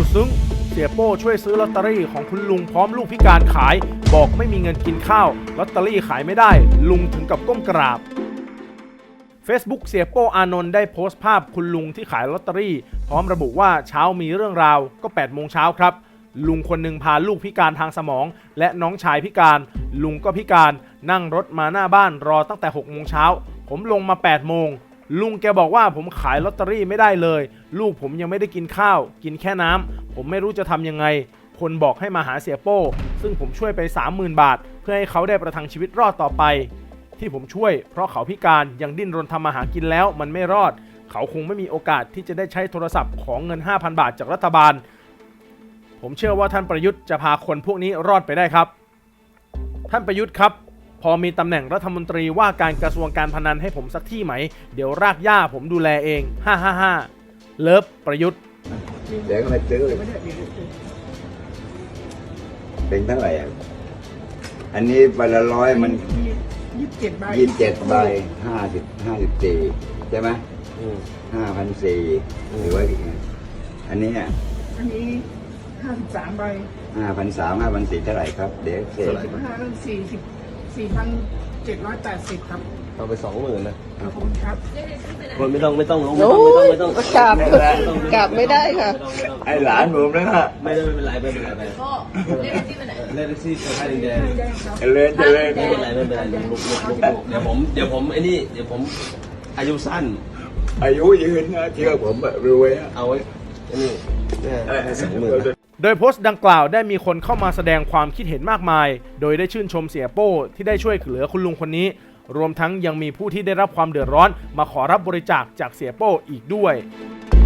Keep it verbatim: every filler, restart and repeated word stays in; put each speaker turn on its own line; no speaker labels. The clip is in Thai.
สุดซึ้งเสียโป้ช่วยซื้อลอตเตอรี่ของคุณลุงพร้อมลูกพิการขายบอกไม่มีเงินกินข้าวลอตเตอรี่ขายไม่ได้ลุงถึงกับก้มกราบ Facebook เสียโป้อานนท์ได้โพสต์ภาพคุณลุงที่ขายลอตเตอรี่พร้อมระบุว่าเช้ามีเรื่องราวก็แปดโมงเช้าครับลุงคนหนึ่งพาลูกพิการทางสมองและน้องชายพิการลุงก็พิการนั่งรถมาหน้าบ้านรอตั้งแต่หกโมงเช้าผมลงมาแปดโมงลุงแกบอกว่าผมขายลอตเตอรี่ไม่ได้เลยลูกผมยังไม่ได้กินข้าวกินแค่น้ำผมไม่รู้จะทำยังไงคนบอกให้มาหาเสียโป้ซึ่งผมช่วยไป สามหมื่น บาทเพื่อให้เขาได้ประทังชีวิตรอดต่อไปที่ผมช่วยเพราะเขาพิการยังดิ้นรนทำมาหากินแล้วมันไม่รอดเขาคงไม่มีโอกาสที่จะได้ใช้โทรศัพท์ของเงิน ห้าพัน บาทจากรัฐบาลผมเชื่อว่าท่านประยุทธ์จะพาคนพวกนี้รอดไปได้ครับท่านประยุทธ์ครับพอมีตำแหน่งรัฐมนตรีว่าการกระทรวงการพนันให้ผมสักที่ไหมเดี๋ยวรากหญ้าผมดูแลเองฮ่าฮ่าฮ่าเลิฟประยุทธ์
เดี๋ยวก็ไม่ซื้อเลยเป็นเท่าไหร่อ่ะอันนี้ใบละร้อยมัน
ยี่สิบเจ็ดใบ
ยี่สิบเจ็ดใบห้าสิบห้าสิบสี่ใช่ไหมห้าพันสี่หรือว่าอันนี้อ่ะ
อันนี้ห้าสิบสามใบ
ห้าพันสามห้าพันสี่เท่าไหร่ครับเดี๋ยวเสร็จ
ห้าพันสี่สิบสี่พันเจ็ดร้อยแปดสิบครับ
เอาไปสองหมื่นนะ
ขอบคุณครับ
คนไม่ต้องไม่ต้องลงไม่
ต้อง
ไม่ต้องไม่ต้อง
กลับกลับไม่ได้ค่ะ
ไอ้หลานผมนะฮะ
ไม่ได้ไม่เป็นไรไม่เป็นไรไปก็เล่นที่ไปไหนเล่นที่สถานีแดง
เล่นจะเล่น
ไม่เป็นไรไม่เป็นไรลุกลุกลุกลุกเดี๋ยวผมเดี๋ยวผมไอ้นี่เดี๋ยวผมอายุสั้น
อายุยืนนะเชื่อผมแบบรวย
เอาไว้นี่สองหมื่น
โดยโพสต์ดังกล่าวได้มีคนเข้ามาแสดงความคิดเห็นมากมายโดยได้ชื่นชมเสียโป้ที่ได้ช่วยเหลือคุณลุงคนนี้รวมทั้งยังมีผู้ที่ได้รับความเดือดร้อนมาขอรับบริจาคจากเสียโป้อีกด้วย